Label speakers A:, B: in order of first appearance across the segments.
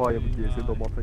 A: Vay bu diye seni domatayı.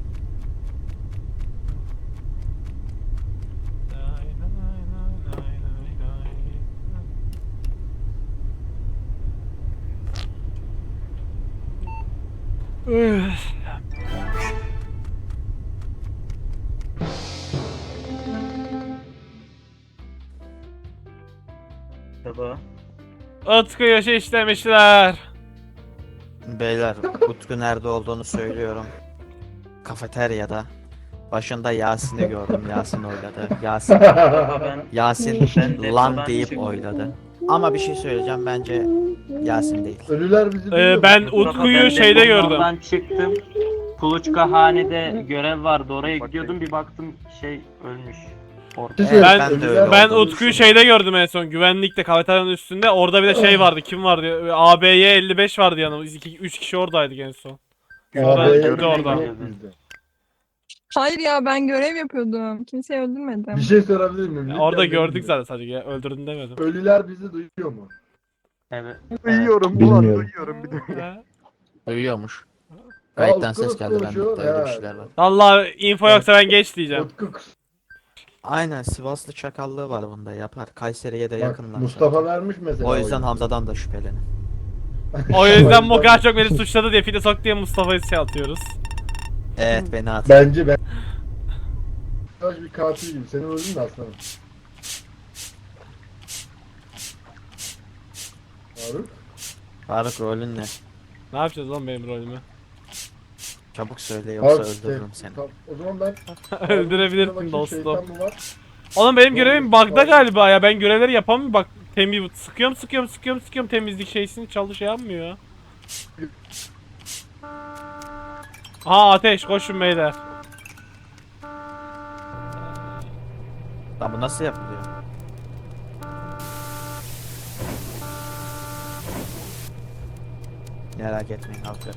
B: Baba.
C: Utku yaşı işlemişler.
D: Beyler, Utku nerede olduğunu söylüyorum. Kafeteryada. Başında Yasin'i gördüm. Yasin oyladı.
B: Baba ben
D: Yasin
B: Ben
D: lan
B: depodan
D: deyip
B: çıktım.
D: oyladı. Ama bir şey söyleyeceğim, bence Yasin değil.
E: Ölüler bizi duyuyor.
C: Ben
B: Mustafa,
C: Utku'yu
B: ben
C: şeyde
B: deponun
C: gördüm.
B: oradan çıktım. Kuluçkahanede görev vardı. Oraya gidiyordum, bir baktım ölmüş. Orada.
E: Şey,
C: Ben-
D: ben de
E: ölüler-
D: öyle
C: Ben
D: olduğunu
C: Utku'yu
D: düşünüyorum.
C: şeyde gördüm en son, güvenlikte, kafeteryanın üstünde. Orada bir de şey vardı, kim vardı? ABY 55 vardı yanımız. 3 kişi oradaydık en son. Sonra
E: Abi,
C: gitti
B: gördüm,
C: oradan.
B: gördüm.
E: bizde.
F: Hayır ya ben görev yapıyordum. Kimseyi öldürmedim.
E: Bir şey sorabilir miyim? Lütfen
C: Orada
E: beni
C: gördük
E: dinle.
C: zaten, sadece öldürdün demedim.
E: Ölüler bizi duyuyor mu?
B: Evet.
A: Duyuyorum ulan
G: Bilmiyorum.
A: duyuyorum bir de.
C: Ha?
D: Duyuyormuş.
E: Aa,
D: Kayıttan
E: Utku
D: ses geldi, ben
E: konuşuyor.
D: öyle bir
E: Ha.
D: şeyler var.
C: Vallahi info yoksa ben geç diyeceğim.
E: Utku
D: Aynen, Sivaslı çakallığı var bunda, yapar. Kayseri'ye de
E: bak
D: yakınlar.
E: Mustafa
D: zaten.
E: vermiş mesela.
D: O yüzden
E: oyunu.
D: Hamza'dan da şüphelenin.
C: O yüzden bu kadar çok beni suçladı diye fide sok diye Mustafa'yı şey atıyoruz.
D: Evet, beni at.
E: Bence ben. Kaç bir katil gibi. Seni öldün mü aslanım? Faruk.
D: Faruk, rolün ne?
C: Ne yapacağız lan benim rolümü?
D: Çabuk söyle, yoksa
E: Faruk,
D: öldürürüm seni.
E: Tamam, o zaman ben...
C: Öldürebilirsin
E: Bakayım,
C: dostum.
E: şeytan mı var?
C: Oğlum benim görevim bug'da
E: Faruk.
C: galiba ya. Ben görevleri yapamıyorum. Bak sıkıyorum temizlik şeysini şey yapmıyor. Aha, ateş, koşun beyler.
D: Lan bu nasıl yapılıyor? Merak etmeyin halkı.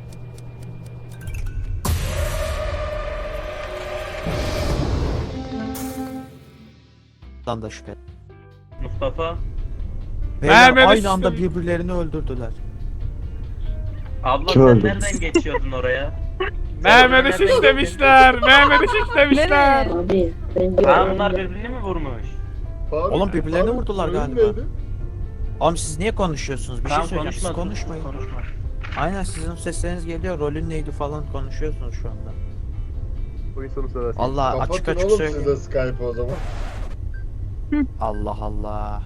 D: Lan da şüphe.
B: Mustafa.
D: Beyler
C: Mehmet
D: aynı
C: Üstün-
D: anda birbirlerini öldürdüler.
B: Abla
G: Kim
B: sen
G: öldü?
B: nereden geçiyordun oraya?
C: Mehmet'i
B: Nereden
C: şişlemişler. Mehmet'i şişlemişler.
F: Nereye?
H: Abi ben
B: Ha, bunlar birbirini mi vurmuş?
E: Faruk,
D: Oğlum birbirlerini
E: Faruk,
D: vurdular
E: oyun
D: galiba.
E: neydi?
D: Oğlum siz niye konuşuyorsunuz? Bir şey
B: Tamam,
D: söyleyeceğim, siz
B: konuşma.
D: konuşmayın.
B: Konuşma.
D: Aynen, sizin sesleriniz geliyor, rolün neydi falan konuşuyorsunuz şu anda.
A: Oyun sonu sırası.
D: Allah açık
E: Kapatın
D: açık
E: oğlum siz
D: söyleyeyim.
E: de Skype o zaman.
D: Allah Allah.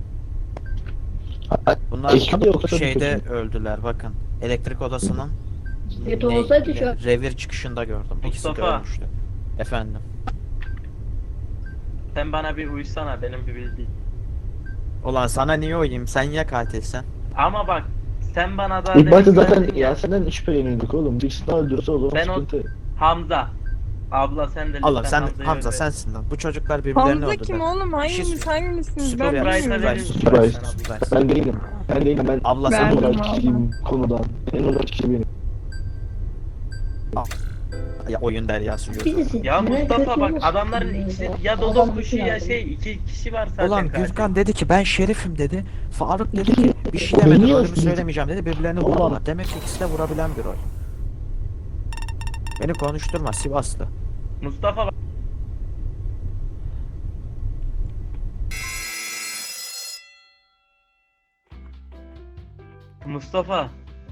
G: Ha-
D: Bunlar
G: Ekip yoksa
D: şeyde
G: bir kötü.
D: öldüler, bakın. Elektrik odasının
H: kötü olsaydı şu an.
D: revir çıkışında gördüm. İkisi de
B: Mustafa.
D: ölmüştü. Efendim.
B: Sen bana bir uysana, benim bir bildiğim.
D: Ulan sana niye oyayım? Sen ya katilsen.
B: Ama bak, sen bana da
G: İlk başta
B: demin
G: zaten
B: verdin ya,
G: Yasin'den şüpheleniyorduk oğlum. Birisini öldürürse o zaman
B: Ben o-
G: sıkıntı.
B: Hamza. Abla sen de
D: Oğlum
B: lütfen
D: sen
B: Hamza'yı
D: Hamza
B: öldür.
D: sensin lan. Bu çocuklar birbirlerini
F: Hamza kim
D: öldürdüler.
F: oğlum? Hanginiz hangisiniz? Ben
D: Surprise,
F: bilmiyorum.
B: Surprise,
D: surprise,
G: Surprise.
D: surprise.
G: Ben değilim. Ben değilim. Ben
D: Abla
F: Ben-
D: sen
G: en
F: Verdim
G: olarak
F: abla.
G: kişiyim konudan. En olarak kişi benim.
D: ya oyun deryası gözü.
H: Birisi.
B: Ya Mustafa
H: kötü
B: bak,
H: olmasın
B: adamların
H: ya.
B: ikisi ya
H: Adam
B: Dodo
H: bir
B: kuşu
H: şey
B: ya
H: yaptı.
B: iki kişi var zaten.
D: Ulan
B: katil.
D: Gürkan dedi ki ben şerifim dedi. Faruk dedi ki bir şey
G: Beni
D: demedi, rolümü
G: yazdı.
D: söylemeyeceğim dedi. Birbirlerini
G: Ulan.
D: vurdular. Demek ki ikisi de vurabilen bir rol. Beni konuşturma Sivaslı.
B: Mustafa bak. Mustafa,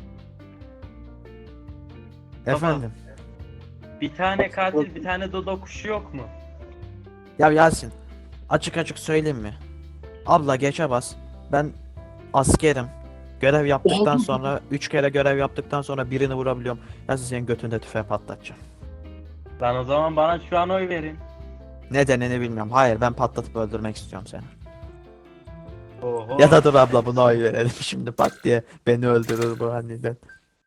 D: Efendim.
B: bir tane katil, bir tane Dodo kuşu yok mu?
D: Ya Yasin, açık açık söyleyeyim mi? Abla geçe bas. Ben askerim. Görev yaptıktan sonra 3 kere görev yaptıktan sonra birini vurabiliyorum. Yasin senin götünde tüfeği patlatacağım.
B: Lan o zaman bana şu an oy verin.
D: Nedenini bilmiyorum. Hayır, ben patlatıp öldürmek istiyorum seni.
B: Oho.
D: Ya da dur abla, buna oy verelim şimdi pat diye beni öldürür bu aniden.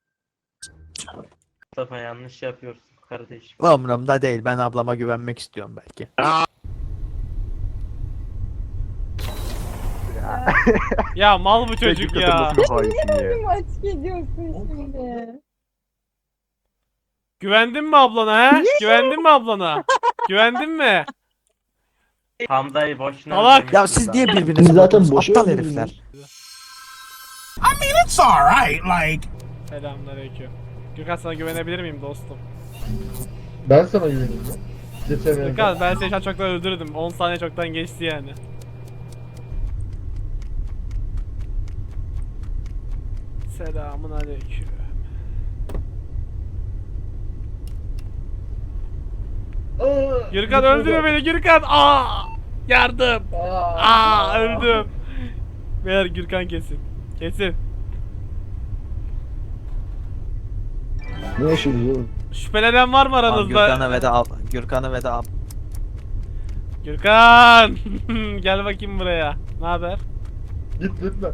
B: Mustafa yanlış yapıyorsun kardeşim.
D: Umurumda değil, ben ablama güvenmek istiyorum belki.
C: Ya mal bu çocuk
A: Peki,
C: ya.
A: katılmasın hainsin ya.
F: Kim açık ediyorsun şimdi?
C: Güvendin mi ablana he? Güvendin mi ablana? Güvendin mi?
B: Hamza'yı boşuna
C: Salak.
B: öldürmüşsün
D: Ya siz
B: lan.
D: niye
G: Siz
D: birbirinizi
G: zaten
D: vurdunuz?
G: boşu
D: Aptal
G: öldürdünüz.
D: herifler.
I: It's all right. Like,
C: Selamünaleyküm. Gürkan sana güvenebilir miyim dostum?
E: Ben sana güveniyorum. Geçen
C: Gürkan ben seni şu an çoktan öldürdüm. 10 saniye çoktan geçti yani. Selamun aleyküm. Gürkan öldürme beni Gürkan. Aa! Yardım. Aa öldüm. Beyler Gürkan kesin. Kesin.
G: Ne yaşıyoruz oğlum?
C: Şüphelenen var mı
D: Tamam,
C: aranızda?
D: Gürkan'ı ve de ab.
C: Gürkan! Gel bakayım buraya. Ne haber?
E: Git lütfen.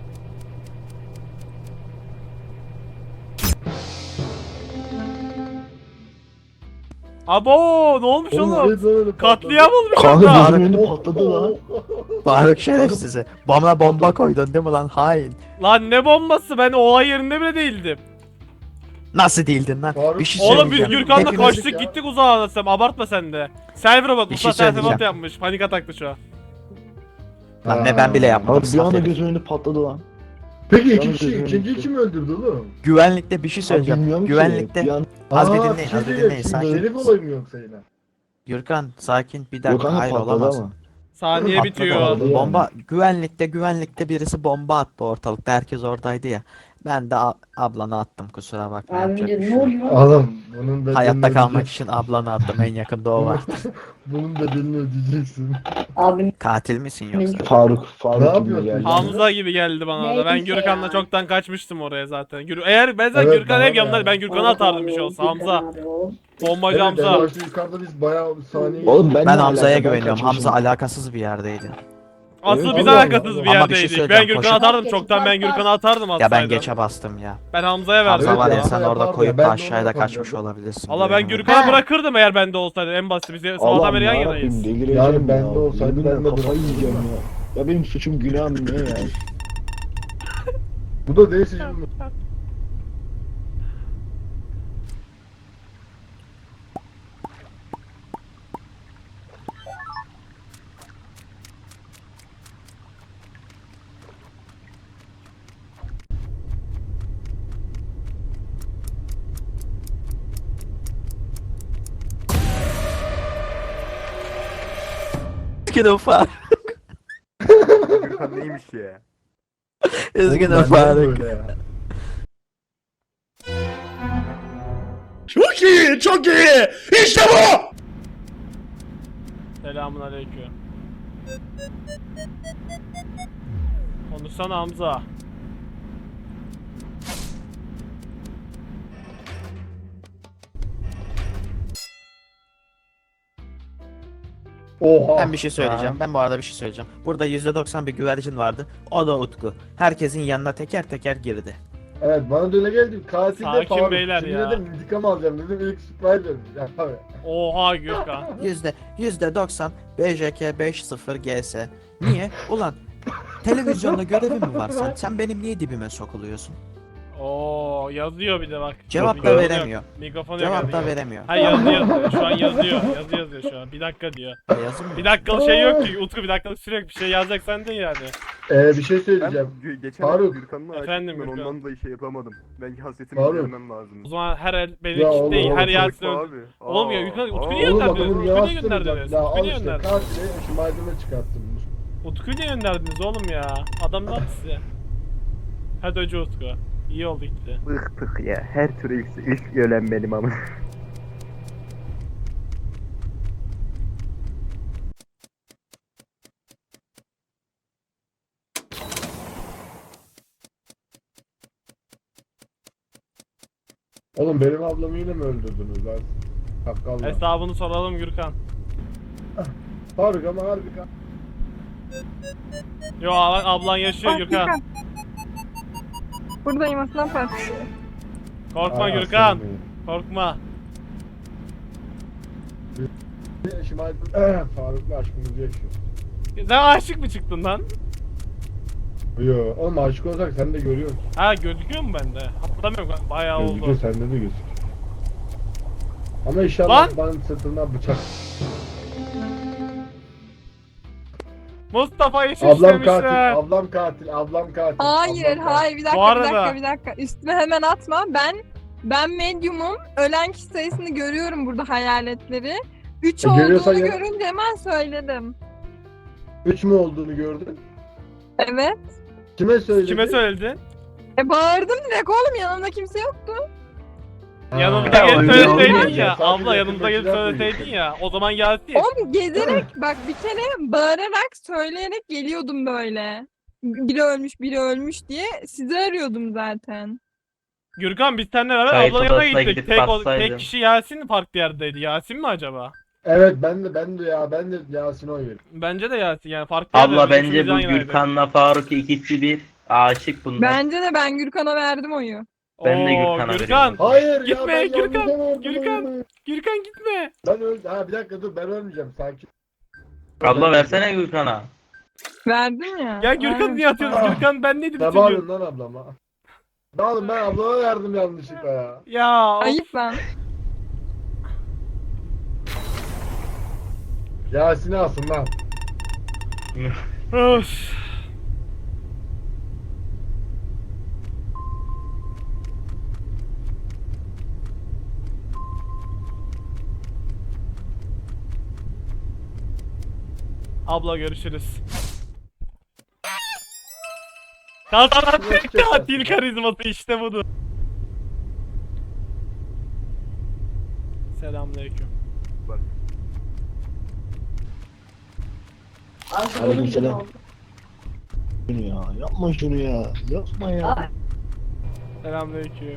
C: Abo ne olmuş oğlum?
E: neyse öyle
C: Katliam olmuş
G: Kanka
C: orada.
G: gözümün önünde patladı lan.
D: Faruk şerefsizi. Bana bomba koydun değil mi lan hain?
C: Lan ne bombası, ben olay yerinde bile değildim.
D: Nasıl değildin lan?
E: Faruk-
D: Bir şey
C: Oğlum biz
D: söyleyeceğim.
C: Gürkan'la
D: Hepiniz-
C: kaçtık gittik uzağa anlatsam, abartma sen de. Server'a bak,
D: Bir
C: Mustafa
D: şey
C: server'a
D: söyleyeceğim.
C: yapmış, panik ataklı şu an.
D: Lan ne ben bile yapmadım.
G: Abi bir anda
D: Zaferim.
G: gözümün önünde patladı lan.
E: Peki iki
G: Yalnız
E: kişi,
G: gözümün
E: ikinciyi
G: önünde.
E: kim öldürdü oğlum?
D: Güvenlikte bir şey
G: Abi
D: söyleyeceğim.
G: bilmiyorum ki.
D: Güvenlikte.
G: Bir an...
D: Az bir
E: Aa,
D: dinleyin,
E: şey
D: az bir
E: diyeyim,
D: dinleyin.
E: şimdi
D: Sakin.
E: Herif olayım yoksa yine.
D: Gürkan sakin bir
G: Yok
D: dakika.
G: kanka
D: Hayır
G: patladı
D: olamaz.
G: ama.
C: Saniye
D: Patladı,
C: bitiyor.
D: oldu.
G: Yani.
D: Bomba güvenlikte birisi bomba attı ortalıkta. Herkes oradaydı ya. Ben de ablanı attım, kusura bakma.
H: Abi
D: yapacak bir
H: ne
D: şey yok.
H: oluyor?
E: Oğlum bunun bedelini
D: Hayatta kalmak
E: ödeyeceksin.
D: için ablanı attım, en yakında o var.
E: Bunun bedelini ödeyeceksin.
H: Abim
D: Katil misin yoksa?
G: Faruk
E: Ne
G: gibi
E: yapıyorsun?
G: geldi.
C: Hamza gibi geldi bana da. Ben
H: Neyse
C: Gürkan'la
H: ya.
C: çoktan kaçmıştım oraya zaten. Eğer ben zaten
E: Evet,
C: Gürkan
E: bana
C: hep
E: da
C: yanımda,
E: yani.
C: ben Gürkan'a atardım bir şey olsa. Hamza. Bombacı
E: Evet,
C: Hamza.
E: en başta yukarıda biz bayağı saniye...
G: Oğlum ben
D: Ben
G: ne
D: Hamza'ya
G: alaka? Ben
D: güveniyorum. Hamza
G: kaçmışım.
D: alakasız bir yerdeydi.
C: Asıl
G: Evet,
C: biz
E: Allah
C: alakasız
E: Allah.
C: bir
D: Ama bir şey
C: yerdeydik. Ben
D: söyleyeceğim,
C: Gürkan'a
D: koşun.
C: atardım çoktan, ben Gürkan'a atardım
D: Ya
C: atsaydım.
D: ben geçe bastım ya.
C: Ben Hamza'ya verdim.
D: Hamza var ya,
E: ya.
D: sen orada
E: Yapardı
D: koyup
E: ya,
D: da
E: ben de
D: aşağıda
E: onu
D: kaçmış
E: yapardım.
D: olabilirsin.
C: Valla ben
D: güvenemiyorum.
C: Gürkan'a bırakırdım eğer bende olsaydı. En basit biz sabahtan
G: Allah'ım
C: beri yan
G: yarabbim,
C: yanayız.
G: delireceğim
E: Yani bende
G: ya.
E: olsaydı
G: Yeminle
E: ben de
G: kafayı
E: bırakırdım.
G: yiyeceğim ya. Ya benim suçum günahım ne ya?
E: Bu da değilse
D: Üzgünüm Faruk.
A: Gürkan neymiş ya?
D: Üzgünüm Faruk.
E: böyle ya.
C: Selamun aleyküm. Konuşsana Hamza.
E: Oha.
D: Ben bir şey söyleyeceğim. Ben bu arada bir şey söyleyeceğim. Burada %90 bir güvercin vardı. O da Utku. Herkesin yanına teker teker girdi.
E: Evet bana da öyle geldi. Katil de
C: Sakin
E: Faruk.
C: beyler
E: Şimdi
C: ya.
E: dedim intikam alacağım dedim ilk Spider. Ya abi.
C: Oha Gürkan.
D: %90 BJK 50 GS. Niye? Ulan televizyonda görevi mi var sen? Sen benim niye dibime sokuluyorsun?
C: Oo yazıyor bir de bak.
D: Cevap da
C: Mikrofonu
D: veremiyor.
C: yok. Mikrofonu
D: Cevap
C: yok.
D: da veremiyor.
C: Hayır yazıyor. Şu an yazıyor. Yazıyor şu an. Bir dakika diyor.
D: Yazın mı?
C: Bir dakikalık şey yok ki. Utku bir dakikalık süre yok. Bir şey yazacaksan de yani.
E: Bir şey
A: Ben
E: söyleyeceğim.
A: geçen
E: Faruk.
A: Gürkan'la
C: Efendim
A: açtım ben
C: Gürkan.
A: ondan da şey yapamadım. Belki hasretimi
E: Faruk.
A: gidermem lazım.
C: O zaman her el
E: Ya
C: benim
E: oğlum,
C: değil. Her
E: oğlum,
C: Yasin
A: Abi.
C: öldü. Oğlum ya, Utku niye
E: Oğlum
C: gönderdiniz?
E: adamın
C: Utku niye
E: yavaştıracak.
C: gönderdiniz?
E: Ya
C: Utku
E: al
C: niye
E: işte
C: gönderdiniz?
E: katile şu malzeme çıkarttım.
C: Utku niye gönderdiniz oğlum ya? Adam ne yaptı size? Hadi önce Utku. İyi oldu gitti.
A: Bıktık ya. Her türlü ilk ölen benim ama.
E: Oğlum benim ablamı yine mi öldürdünüz lan? Hakkallah.
C: Hesabını soralım Gürkan.
E: Faruk ama harbi
C: Yo ablan yaşıyor
F: Ah,
C: Gürkan.
F: Buradayım aslan partisi.
C: Korkma
E: Ay,
C: Gürkan.
E: aslanım benim.
C: Korkma.
E: Şimdi Faruk'la aşkımızı yaşıyor.
C: Sen aşık mı çıktın lan?
E: Yo, oğlum aşık olacak sen de görüyorsun.
C: Ha gözüküyor mu bende? Hatırlamıyorum ben. Bayağı
E: Gözüküyor
C: oldu.
E: sende de gözüküyor. Ama inşallah
C: Lan!
E: bana sırtından bıçak.
C: Mustafa iş
E: Ablam
C: işlemişler.
E: katil, ablam katil, ablam katil.
F: Hayır
E: ablam katil.
F: hayır bir
C: Bu
F: dakika
C: arada-
F: bir dakika. Üstüme hemen atma. Ben Ben medyumum. Ölen kişi sayısını görüyorum burada hayaletleri. 3
E: Görüyorsan
F: olduğunu
E: ya-
F: görünce hemen söyledim.
E: 3 mü olduğunu gördün?
F: Evet.
E: Kime söyledin?
C: Kime söyledin?
F: Bağırdım direkt oğlum, yanımda kimse yoktu.
C: Yanımda
B: Ya,
C: gelip
B: öyle
C: söyleseydin
B: olmaz
C: ya.
E: ya.
C: Abla
E: Sadece
C: yanımda gelip
E: yakındakiler
C: söyleseydin ya. O zaman gelsin.
F: Oğlum gezerek bak bir kere bağırarak söyleyerek geliyordum böyle. Biri ölmüş diye sizi arıyordum zaten.
C: Gürkan biz seninle beraber
B: Kayıt
C: ablanın yanına
B: odasına
C: gittik.
B: gidip
C: Tek
B: baksaydın.
C: kişi Yasin mi farklı yerdeydi? Yasin mi acaba?
E: Evet ben de Yasin'e oy veriyorum.
C: Bence de Yasin yani farklı
B: Abla
C: yerdeydi.
B: bence
C: Üçümüz
B: bu
C: yan yanaydık.
B: Gürkan'la Faruk ikisi bir aşık bunlar.
F: Bence de ben Gürkan'a verdim oyu.
B: Ben de
C: Oo,
B: Gürkan'a
C: Gürkan.
B: veriyorum.
E: Hayır
C: Gitme,
E: ya ben
C: Gürkan,
E: yanlışa verdim
C: Gürkan.
E: oyunu.
C: Gürkan gitme.
E: Ben öldüm. Ha bir dakika dur ben ölmeyeceğim sakin.
B: Abla versene Gürkan'a.
F: Verdim ya.
C: Ya Gürkan
F: vermemiş
C: niye atıyorsun?
E: Ah.
C: Gürkan ben neydim
E: Ne
C: bütün gün?
E: bağırıyorsun lan ablama? Ne oğlum ben ablama verdim yanlışlıkla ya.
C: Ya of.
F: Ayıp lan.
E: Yasin'i alsın lan.
C: Öf. Abla görüşürüz. Kazanan tek katil karizması işte budur. Selamünaleyküm.
G: Aleykümselam. Şunu ya. Yapma şunu ya. Yapma ya.
C: Selamünaleyküm.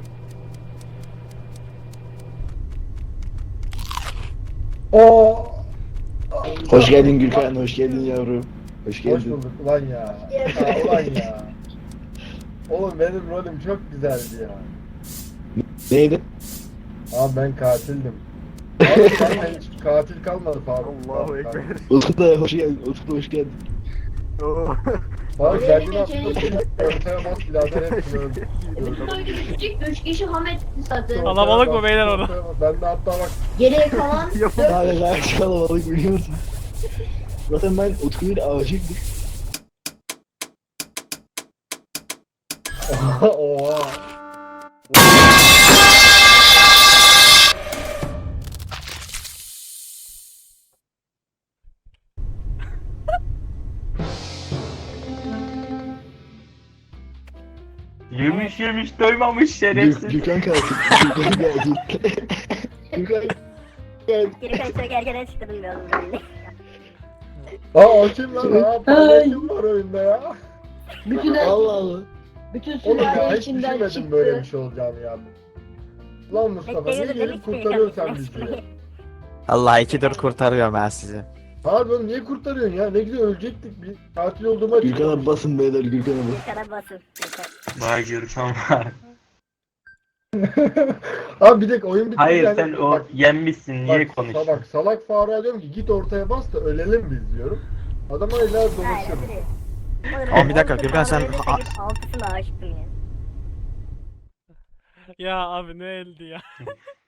E: Oo.
G: Hoş geldin Gürkan. Hoş geldin yavrum. Hoş
E: Hoş
G: geldin.
E: bulduk ulan ya. Ulan ya. Oğlum benim rolüm çok güzeldi ya.
G: Neydi?
E: Abi ben katildim. Abi zaten hiç katil kalmadı Faruk.
A: Allahu Ekber.
G: Utku da hoş geldin. Utku da hoş geldin.
A: Oo.
E: Faruk
H: Öyle
E: kendini
H: bir
E: attın.
H: şey.
E: Ortaya bas birader hepsini öldü.
H: Küçük 3 kişi Hamet zaten.
C: Kalabalık mı beyler orada?
E: Ben de hatta bak.
H: Geriye kalan
G: Daha ne kadar kalabalık biliyor musun? Zaten ben Utku'yla aşıktım.
E: Oha.
B: Yemiş doymamış şerefsiz.
G: Gürkan katil. Gürkan katil. Gürkan katil.
I: Geri kaçta gergene çıktım bir oğlum belli.
E: Aa o kim lan? Aa paylaşım kim var oyunda ya?
H: bütün
G: Allah Allah.
H: bütün
E: Oğlum ya
H: sülale
E: hiç
H: içinden
E: düşünmedim
H: çıktı.
E: böyle bir şey olacağını ya. Lan Mustafa niye
I: Bekleyiyordum
E: gelip kurtarıyorsun sen bizi?
D: Allah ikidir kurtarıyorum ben sizi.
E: Harbi oğlum niye kurtarıyorsun ya? Ne güzel ölecektik bir katil olduğuma
G: Gürkan'a basın beyler Gürkan'a basın.
I: Bir kadar basın.
B: Vay Gürkan var.
E: Abi bir dakika oyun bitti.
B: Hayır
E: yani.
B: sen o
E: Bak,
B: yenmişsin niye
E: bak,
B: konuşuyorsun?
E: bak salak Faruk'a diyorum ki git ortaya bas da ölelim biz diyorum. Adam öyle dolaşıyor.
D: Ama bir dakika, Gürkan sen-
I: Altısına aşıktım ya.
C: Ya abi ne eldi ya.